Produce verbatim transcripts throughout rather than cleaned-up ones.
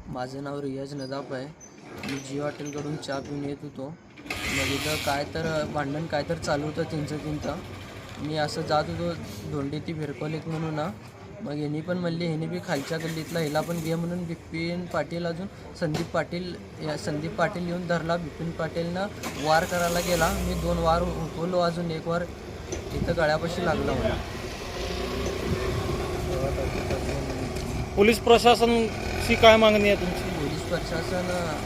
माझं नाव रियाज नदाफ आहे. मी जिओ हॉटेलकडून चहा पिऊन येत होतो. मग इथं काय तर भांडण काय तर चालू होतं त्यांचं तिथं. मी असं जात होतो धोंडी ती भिरकोलीत म्हणून ना. मग ह्यांनी पण म्हणली ह्यांनी बी खालच्या गल्लीतला ह्याला पण घे म्हणून बिपिन पाटील अजून संदीप पाटील या संदीप पाटील येऊन धरला. बिपिन पाटीलनं वार करायला गेला. मी दोन वार हुकवलो, अजून एक वार इथं गळ्यापाशी लागला मला. पोलीस प्रशासनाची काय मागणी आहे तुमची? पोलीस प्रशासन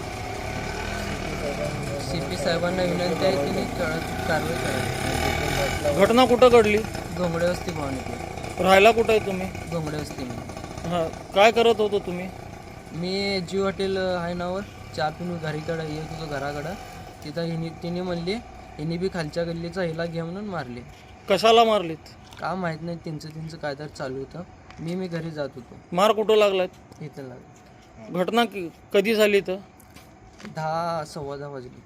सी पी साहेबांना विनंती आहे की कारवाई करावी. घटना कुठं घडली? घोंगडे वस्ती भवानीपूर. राहायला कुठं आहे तुम्ही? घोंगडे वस्ती मी. हां, काय करत होतो तुम्ही? मी जिओ हॉटेल आहे नावर चहा पिऊन घरीकडं येत होतो घराकडं. तिथं हिनी तिने म्हणली हिनी बी खालच्या गल्लीचा हिला घे म्हणून मारले. कशाला मारलीत? का माहीत नाही, त्यांचं त्यांचं काय तर चालू होतं. मी मी घरी जात होतो. मार कुठं लागलाय? इथं लागलं. घटना कि- कधी झाली तर? दहा सव्वा दहा वाजली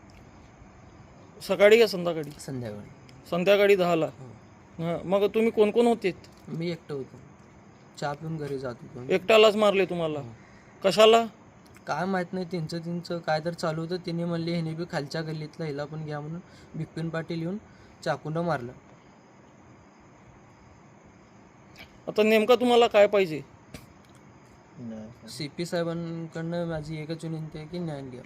सकाळी का संध्याकाळी? संध्याकाळी. संध्याकाळी दहाला. हां, मग तुम्ही कोण कोण होते? मी एकटं होतो, चहा पिऊन घरी जात होतो. एकट्यालाच मारले तुम्हाला? कशाला? काय माहीत नाही, त्यांचं त्यांचं काय तर चालू होतं. तिने म्हणले ह्याने बी खालच्या गल्लीतला हिला पण घ्या म्हणून बिपिन पाटील येऊन चाकूनं मारलं. आता नेमका तुम्हाला काय पाहिजे? सी पी साहेबांकडनं माझी एकच विनंती आहे की न्याय द्या.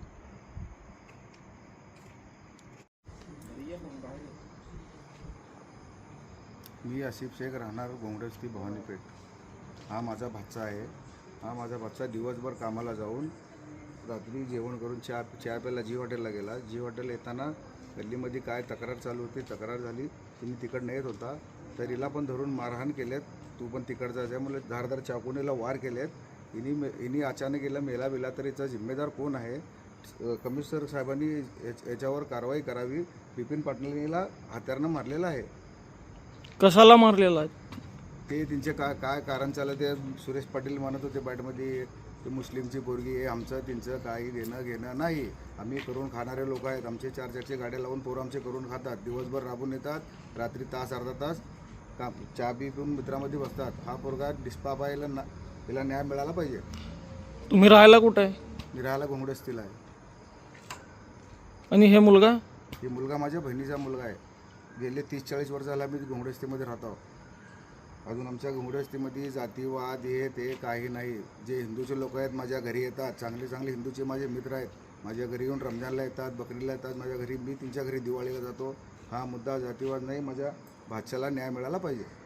मी आसिफ शेख, राहणार घोंगडे वस्ती भवानीपेठ. हा माझा भाचा आहे. हा माझा भाचा दिवसभर कामाला जाऊन रात्री जेवण करून चहा चहा प्यायला जी हॉटेलला गेला. जी हॉटेल येताना गल्लीमध्ये काय तक्रार चालू होती, तक्रार झाली. तुम्ही तिकडनं येत होता तर हिला पण धरून मारहाण केल्यात. तू पण तिकडचा त्यामुळे धारदार चाकूनेला वार केलेत. हिनी हिनी अचानक गेला मेला बिला तर याचा जिम्मेदार कोण आहे? कमिशनर साहेबांनी याच्यावर कारवाई करावी. बिपिन पाटलांनीला हत्यारनं मारलेलं आहे. कशाला मारलेला आहे? ते त्यांचे काय काय कारण चाललं ते सुरेश पाटील म्हणत होते बाईटमध्ये, ते मुस्लिमची पोरगी आहे, आमचं त्यांचं काही देणं घेणं नाही. आम्ही करून खाणारे लोक आहेत. आमचे चार चारचे गाड्या लावून पोरं आमचे करून खातात. दिवसभर राबून येतात, रात्री तास अर्धा तास काम चहा बी पिऊन मित्रामध्ये बसतात. हा पोरगा डिस्पाबाईला ना तिला न्याय मिळाला पाहिजे. तुम्ही राहायला कुठं आहे? मी राहायला घोंगडे वस्तीला आहे. आणि हे मुलगा? हे मुलगा माझ्या बहिणीचा मुलगा आहे. गेले तीस चाळीस वर्ष झाला मी घोंगडे वस्तीमध्ये राहतो. अजून आमच्या घोंगडे वस्तीमध्ये जातीवाद हे ते काही नाही. जे हिंदूचे लोक आहेत माझ्या घरी येतात, चांगले चांगले हिंदूचे माझे मित्र आहेत. माझ्या घरी येऊन रमजानला येतात, बकरीला येतात माझ्या घरी. मी त्यांच्या घरी दिवाळीला जातो. हा मुद्दा जातीवाद नाही. माझ्या भाच्याला न्याय मिळाला पाहिजे.